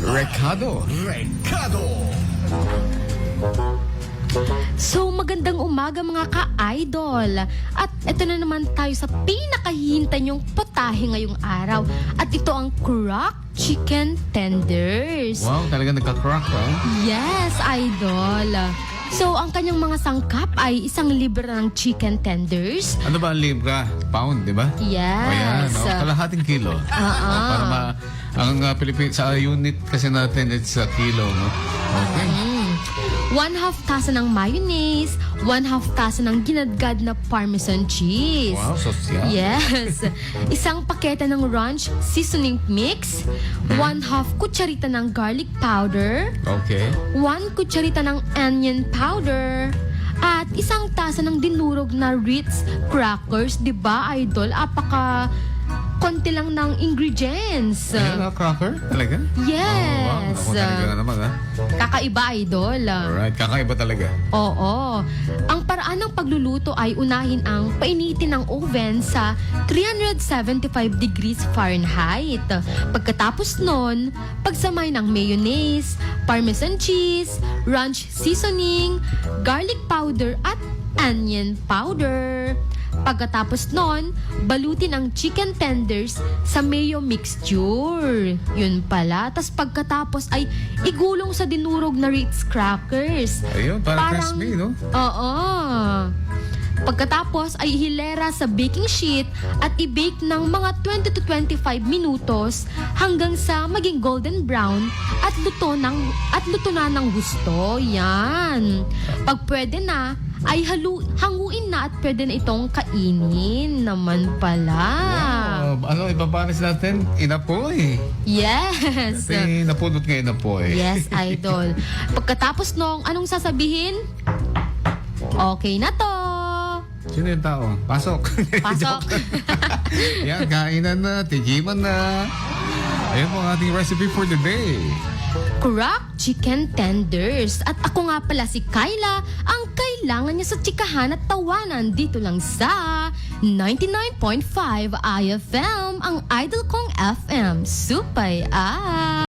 Recado. So, magandang umaga mga ka-idol. At ito na naman tayo sa pinakahihintay niyong potahe ngayong araw. At ito ang Crock Chicken Tenders. Wow, talaga nagka-crack, Yes, idol. So, ang kanyang mga sangkap ay 1 libra ng chicken tenders. Ano ba ang libra? Pound, di ba? Yes. O yan, kalahating kilo. Para ang sa unit kasi natin, it's a kilo, no? Okay. 1/2 tasa ng mayonnaise, 1/2 tasa ng ginadgad na parmesan cheese. Wow, sosyal. Yes. 1 pakete ng ranch seasoning mix, 1/2 kutsarita ng garlic powder, Okay. 1 kutsarita ng onion powder, at 1 tasa ng dinurog na Ritz crackers. Diba, idol? Konti lang ng ingredients. Ayun, cracker? Talaga? Yes. Oh, wow. Ako talaga naman, Kakaiba, idol. Alright, kakaiba talaga. Oo. Ang paraan ng pagluluto ay unahin ang painitin ng oven sa 375 degrees Fahrenheit. Pagkatapos nun, pagsamay ng mayonnaise, parmesan cheese, ranch seasoning, garlic powder at onion powder. Pagkatapos nun, balutin ang chicken tenders sa mayo mixture. Yun pala. Tas pagkatapos ay igulong sa dinurog na Ritz crackers. Ayun, parang crispy, no? Oo. Pagkatapos ay hilera sa baking sheet at i-bake ng mga 20 to 25 minutos hanggang sa maging golden brown at luto na ng gusto. Yan. Pag pwede na, ay hanguin na at pwede na itong kainin naman pala. Wow. Ipapanis natin? Inapoy. Yes. Kasi napulot nga inapoy. Yes, idol. Pagkatapos nung anong sasabihin? Okay na to. Sino yung tao? Pasok. Pasok. Yan, kainan na, tigiman na. Ayan po ang ating recipe for the day. Crock Chicken Tenders. At ako nga pala si Kyla, ang kailangan niya sa tsikahan at tawanan dito lang sa 99.5 IFM, ang idol kong FM. Supay